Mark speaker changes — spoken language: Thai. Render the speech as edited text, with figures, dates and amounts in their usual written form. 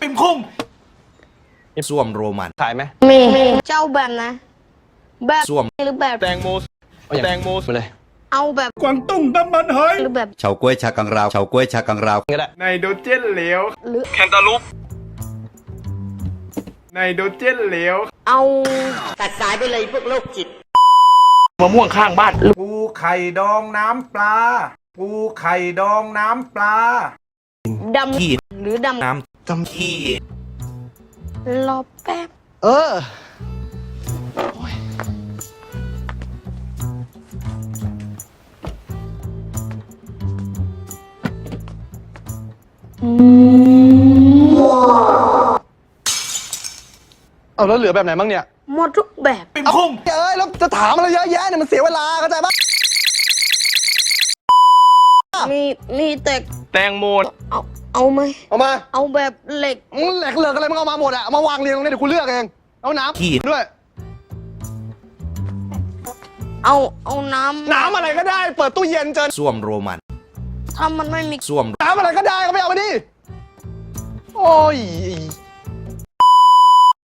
Speaker 1: ปิ่มคุ้งส้วมโรมัน
Speaker 2: ขายไหม
Speaker 3: มีเจ้าแบบนะแบบ
Speaker 1: ส้วม
Speaker 3: หรือแบบ
Speaker 2: แตงโมแตงโมมาเลย
Speaker 3: เอาแบบ
Speaker 1: กวางตุ้งน้ำมันหอย
Speaker 3: หรือแบบ
Speaker 4: เฉาก๊วยชากังราวเฉาก๊วยชากังราว
Speaker 2: ก็ได้
Speaker 1: ไนโตรเจนเหลว
Speaker 3: หรือ
Speaker 1: แคนตาลูปไนโตรเจนเหลว
Speaker 3: เอา
Speaker 1: มะม่วงข้างบ้าน
Speaker 5: ปูไข่ดองน้ำปลา ปูไข่ดองน้ำปลา
Speaker 3: ดำหรือด
Speaker 1: น้ำจำที่
Speaker 3: ำรอแป๊บ
Speaker 2: เออเอาแล้วเหลือแบบไหนบ้างเนี่ย
Speaker 3: หมดทุกแบบ
Speaker 1: ปิ่มคุ้ง
Speaker 2: เอ้ยแล้วจะถามอะไรเยอะแยะเนี่ยมันเสียเวลาเข้าใจปะ
Speaker 3: มีแต่
Speaker 1: แตงโม
Speaker 3: เอาไหม
Speaker 2: เอามา
Speaker 3: เอาแบบเหล็ก
Speaker 2: มึงแหลกเหลือกอะไรมึงเอามาหมดอะเอามาวางเรียงตรงนี้เดี๋ยวกูเลือกเองเอาน้ำด้วย
Speaker 3: เอาน้ำ
Speaker 2: น้ำอะไรก็ได้เปิดตู้เย็นเจอ
Speaker 1: ส้วมโรมัน
Speaker 3: ถ้ามันไม่มี
Speaker 1: ส้วม
Speaker 2: น้ำอะไรก็ได้ก็ไปเอามาดิโอ้ย